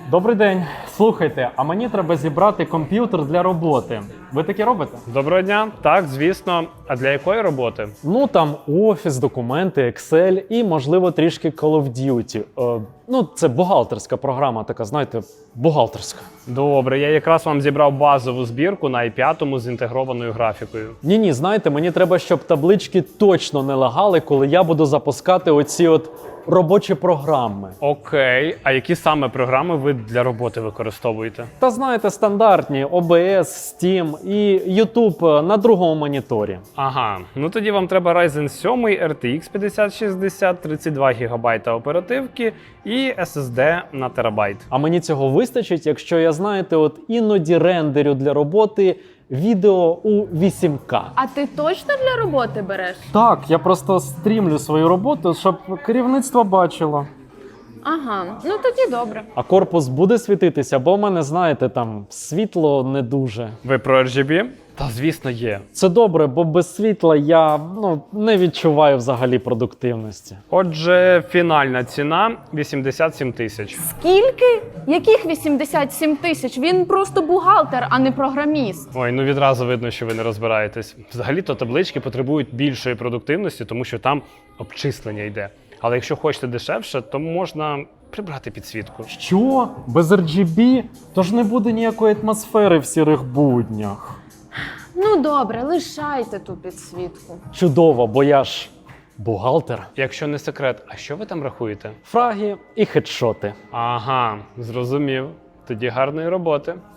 Добрий день. Слухайте, а мені треба зібрати комп'ютер для роботи. Ви таке робите? Доброго дня. Так, звісно. А для якої роботи? Ну там офіс, документи, Excel і, можливо, трішки Call of Duty. Це бухгалтерська програма, така, знаєте, бухгалтерська. Добре, я якраз вам зібрав базову збірку на i5 з інтегрованою графікою. Ні, знаєте, мені треба, щоб таблички точно не лагали, коли я буду запускати оці робочі програми. Окей, а які саме програми ви для роботи використовуєте? Та знаєте, стандартні OBS, Steam і YouTube на другому моніторі. Ага, ну тоді вам треба Ryzen 7 RTX 5060, 32 ГБ оперативки і SSD на терабайт. А мені цього вистачить, якщо я, знаєте, іноді рендерю для роботи відео у 8К. А ти точно для роботи береш? Так, я просто стрімлю свою роботу, щоб керівництво бачило. Ага, ну тоді добре. А корпус буде світитися, бо в мене, знаєте, там світло не дуже. Ви про RGB? Та звісно є. Це добре, бо без світла я не відчуваю взагалі продуктивності. Отже, фінальна ціна 87 тисяч. Скільки? Яких 87 тисяч? Він просто бухгалтер, а не програміст. Ой, ну відразу видно, що ви не розбираєтесь. Взагалі-то таблички потребують більшої продуктивності, тому що там обчислення йде. Але якщо хочете дешевше, то можна прибрати підсвітку. Що? Без RGB? Тож не буде ніякої атмосфери в сірих буднях. Ну добре, лишайте ту підсвітку. Чудово, бо я ж бухгалтер. Якщо не секрет, а що ви там рахуєте? Фраги і хедшоти. Ага, зрозумів. Тоді гарної роботи.